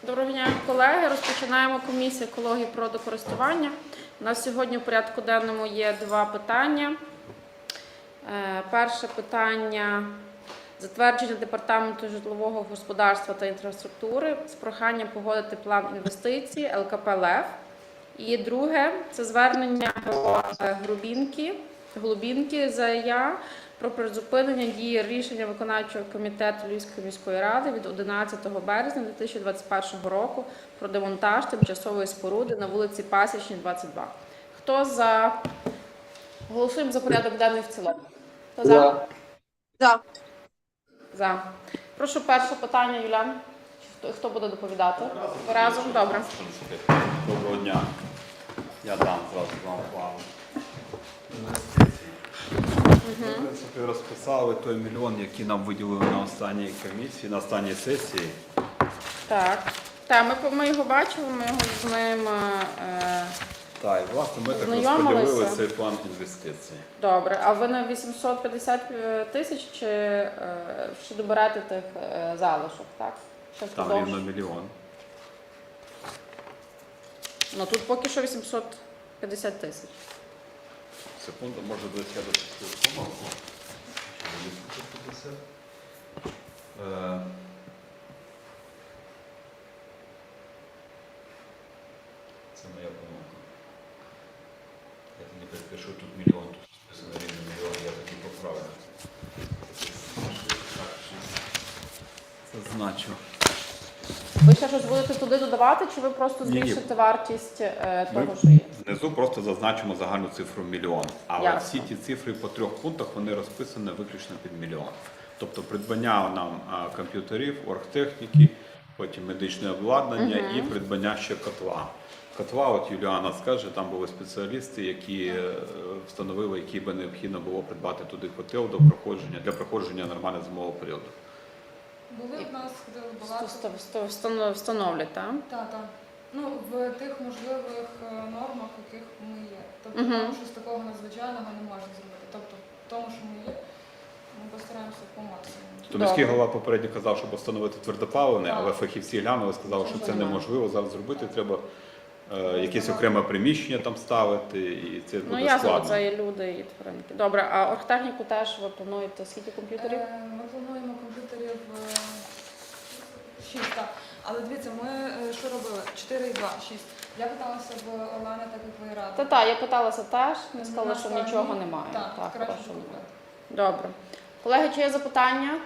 Доброго дня, колеги. Розпочинаємо комісію екології і природокористування. У нас сьогодні в порядку денному є два питання. Перше питання – затвердження Департаменту житлового господарства та інфраструктури з проханням погодити план інвестицій ЛКП «ЛЕВ». І друге – це звернення Голубінки ЗАЯ про призупинення дії рішення виконавчого комітету Львівської міської ради від 11 березня 2021 року про демонтаж тимчасової споруди на вулиці Пасічній, 22. Хто за? Голосуємо за порядок денний в цілому. Хто за? За. За. Прошу перше питання, Юлян. Хто буде доповідати? Разом? Добре. Доброго дня. Я дам зразу вам план. В принципі, розписали той мільйон, який нам виділили на останній комісії, на останній сесії. Так. Ми його бачили, ми його з ним Так, і власне ми так знайомилися. розподілили цей план інвестицій. Добре. А ви на 850 тисяч чи ще доберете тих залишок, так? Ще Там впродовж? рівно мільйон. Ну тут поки що 850 тисяч. Секунду, може десь я допустив помилку. Чи 850? Це моя помилка. Я тоді перепишу тут мільйон, тут списано рівно мільйон, я тоді поправлю. Це значу. Ви ще щось будете туди додавати, чи ви просто Ні-ні. збільшите вартість Ми того, що є? внизу просто зазначимо загальну цифру мільйон. Але Ясно. всі ті цифри по трьох пунктах, вони розписані виключно під мільйон. Тобто придбання нам комп'ютерів, оргтехніки, потім медичне обладнання і придбання ще котла. Котла, от Юліана скаже, там були спеціалісти, які встановили, які би необхідно було придбати туди котел для проходження нормального зимового періоду. Були в нас, ходили багато. Встановлять, так? Так. Ну, в тих можливих нормах, в яких ми є. Тобто, там щось такого надзвичайного не можна зробити. Тобто, в тому, що ми є, ми постараємося по максимуму. То міський голова попередньо казав, щоб встановити твердопаливне, але фахівці глянули, сказали, що це Можливо. неможливо зараз зробити, треба якесь окреме приміщення там ставити, і це буде Ну, ясно, складно. це є люди і тваринки. Добре, а оргтехніку теж ви плануєте скільки комп'ютерів? Ми плануємо комп'ютерів 6, так. Але дивіться, ми що робили? 4,2, 6. Я питалася в Олени, так як ви радили. Та, я питалася теж, не сказала, На що стороні. нічого немає. Так, краще хорошо. купити. Добре. Колеги, чи є запитання?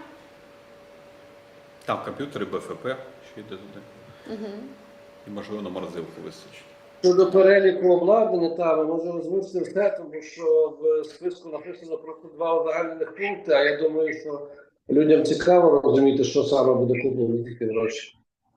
Там комп'ютери, БФП, що йде туди. І, можливо, на морозилку вистачить. Щодо переліку обладнання, ми можемо озвучити все, тому що в списку написано просто два узагальнених пункти, а я думаю, що людям цікаво розуміти, що саме буде куплено за ті гроші.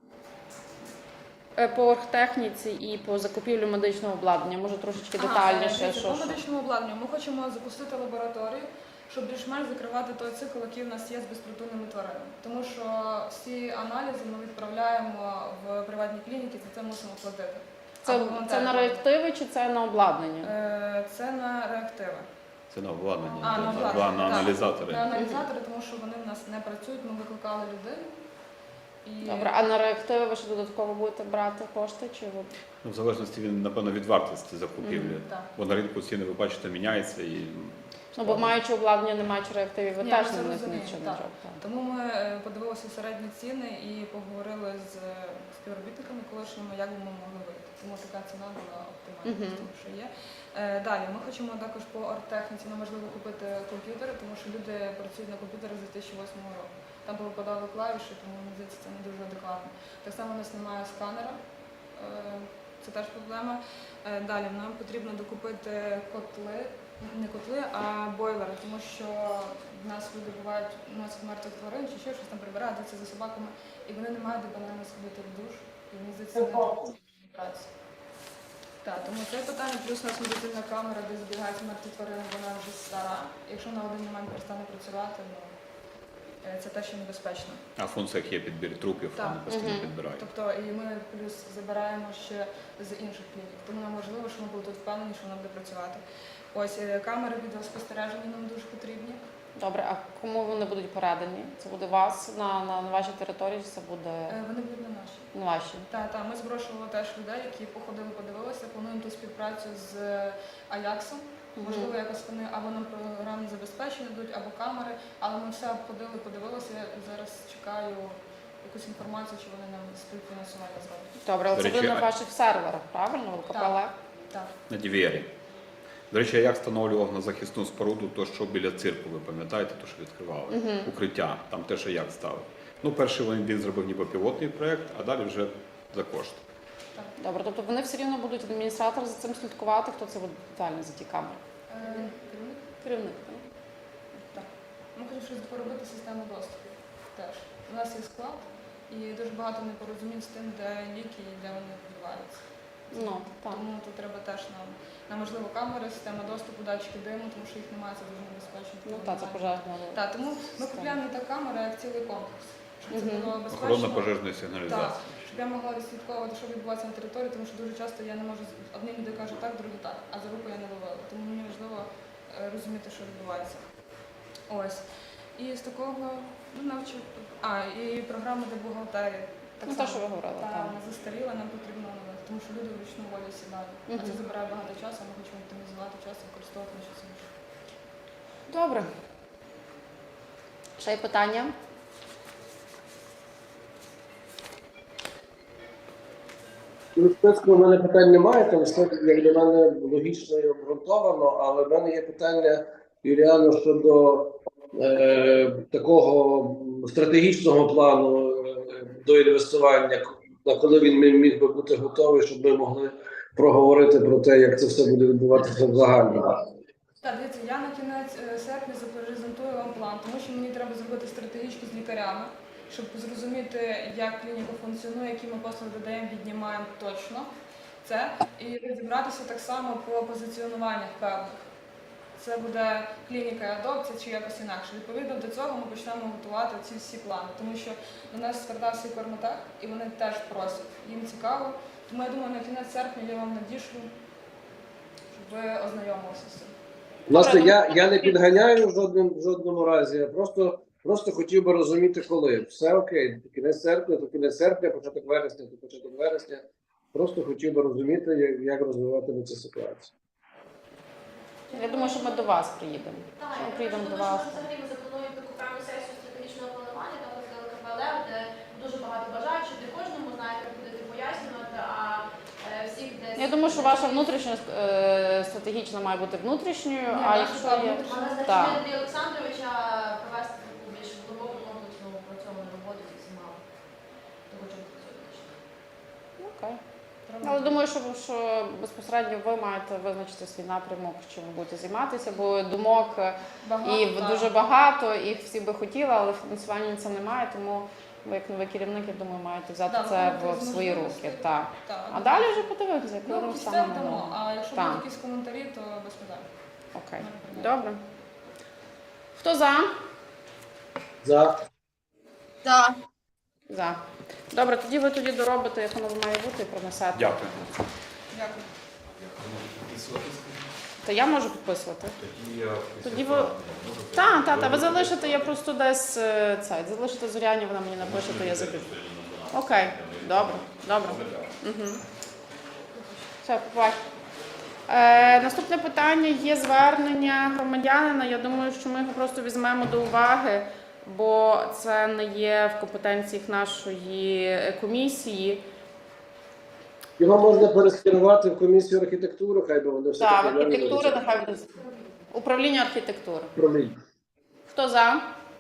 По оргтехніці і по закупівлю медичного обладнання, може трошечки детальніше. Дивіться, по медичному обладнанню ми хочемо запустити лабораторію, щоб більш-менш закривати той цикл, який в нас є з безпритульними тваринами. Тому що всі аналізи ми відправляємо в приватні клініки, за це мусимо платити. Це на реактиви чи це на обладнання? Це на реактиви. Це на обладнання, На на обладнання, так. аналізатори. На аналізатори, тому що вони в нас не працюють, ми викликали людину. І... Добре, а на реактиви ви ще додатково будете брати кошти? Чи ви... Ну, в залежності, напевно, від вартості закупівлі. Так. Бо на ринку ціни, ви бачите, міняється. І... Ну, бо маючи обладнання, не маючи реактивів, ви Ні, теж ми це не розуміємо, нічого не так. робите. Тому ми подивилися середні ціни і поговорили з співробітниками колишніми, як би ми могли вийти. Тому така ціна була оптимальна, з того, що є. Далі, ми хочемо також по арттехніці, нам важливо купити комп'ютери, тому що люди працюють на комп'ютерах з 2008 року. Там повипадали клавіші, тому мені здається, це не дуже адекватно. Так само у нас немає сканера, це теж проблема. Далі, нам потрібно докупити котли. Не котли, а бойлери, тому що в нас люди бувають, носять мертвих тварин чи ще щось там прибирають за собаками, і вони не мають де банально сходити в душ, і мені здається, це не праці. Так, тому це питання, плюс у нас медицинна камера, де збігаються мертві тварини, вона вже стара. Якщо на один момент перестане працювати, це те, що небезпечно. А в функціях є підбір трупів, Так. вони постійно підбирають. Тобто і ми плюс забираємо ще з інших клінік. Тому нам важливо, що ми були тут впевнені, що вона буде працювати. Ось камери відеоспостереження нам дуже потрібні. Добре, а кому вони будуть передані? Це буде вас на вашій території, чи це буде Вони будуть на нашій. на вашій? Так, ми запрошували теж людей, які походили, подивилися, плануємо ту співпрацю з Аяксом. Можливо, якось вони або нам програмне забезпечення дадуть, або камери, але ми все обходили, подивилися. Я зараз чекаю якусь інформацію, чи вони нам співфінансування зроблять. Добре, але До це речі, буде на ваших серверах, правильно? В КПЛ? Так. На DVR. До речі, як встановлював на захисну споруду, то що біля цирку, ви пам'ятаєте, то що відкривали? Укриття, там теж як ставив. Ну, перший він зробив ніби пілотний проєкт, а далі вже за кошти. Добре, тобто вони все рівно будуть адміністратор за цим слідкувати, хто це буде детально за ті камери? Керівник? Керівник, так? Так. Ми хочемо щось поробити систему доступу теж. У нас є склад і дуже багато непорозумінь з тим, де ліки і де вони відбуваються. Ну, так. Тому тут треба теж нам можливо камери, система доступу, датчики диму, тому що їх немає, це дуже небезпечно. Ну так, це пожежна. Так, тому ми купуємо не так камери, як цілий комплекс. Щоб це було безпечно. Охорона пожежної Так, сигналізації. щоб я могла відслідковувати, що відбувається на території, тому що дуже часто я не можу одним люди кажуть так, другі так, а за руку я не ловила. Тому мені важливо розуміти, що відбувається. Ось. І з такого навчив. І програма для бухгалтерії. Так Ну, те, що ви говорили, Так, так. вона застаріла, нам потрібно оновити, тому що люди вручну волі сідають. А це забирає багато часу, а ми хочемо оптимізувати час і використовувати на щось інше. Добре. Ще є питання? У списку в мене питань немає, там все як для мене логічно і обґрунтовано, але в мене є питання, Юліано, щодо такого стратегічного плану до інвестування, на коли він міг би бути готовий, щоб ми могли проговорити про те, як це все буде відбуватися в загальному. Так, дивіться, я на кінець серпня запрезентую вам план, тому що мені треба зробити стратегічку з лікарями, щоб зрозуміти, як клініка функціонує, які ми послуги додаємо, віднімаємо точно це, і розібратися так само по позиціонуваннях певних. Це буде клініка і адопція чи якось інакше. Відповідно до цього ми почнемо готувати ці всі плани, тому що до нас звертався і Корматек, і вони теж просять, їм цікаво. Тому я думаю, на кінець серпня я вам надішлю, щоб ви ознайомилися з цим. Власне, я не підганяю в жодному разі, я просто хотів би розуміти, коли. Все окей, кінець серпня, то кінець серпня, початок вересня, то початок вересня. Просто хотів би розуміти, як розвиватиметься ситуація. Я думаю, що ми до вас приїдемо. Так, Що ми я приїдемо думаю, до вас. що взагалі ми заплануємо таку пряму сесію стратегічного планування, там з КПЛ, де дуже багато бажаючих, де кожному знаєте, будете пояснювати, а всіх десь... Я думаю, що ваша внутрішня стратегічна має бути внутрішньою, а якщо є... Але Так. значить, Андрія Олександровича провести таку більш глибоку комплексну працьовану роботу зі всіма, хто хоче працювати. Окей. Але думаю, що безпосередньо ви маєте визначити свій напрямок, чим ви будете займатися, бо думок дуже багато, їх всі би хотіли, але фінансування на це немає, тому ви, як новий керівник, я думаю, маєте взяти це в свої руки. Так. А далі вже подивитися, коли Ну, ми після станемо. дамо, а якщо Так. будуть якісь коментарі, то без питань. Окей. Добре. Хто за? За. За. Добре, тоді ви доробите, як воно має бути, і принесете. Дякую. Дякую. Та я можу підписувати. Тоді ви... Так, ви залишите, я просто десь залишите Зоряні, вона мені напише, то я забіжу. Окей, добре. Угу. Все, побачимо. Наступне питання є звернення громадянина. Я думаю, що ми його просто візьмемо до уваги, бо це не є в компетенціях нашої комісії. Його можна перескерувати в комісію архітектури, хай би вони все Так, архітектура, нехай буде. Управління архітектури. Хто за?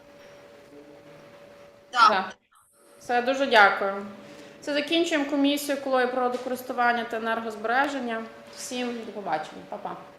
Так. Все, дуже дякую. Це закінчуємо комісію екології, природокористування та енергозбереження. Всім до побачення. Па-па.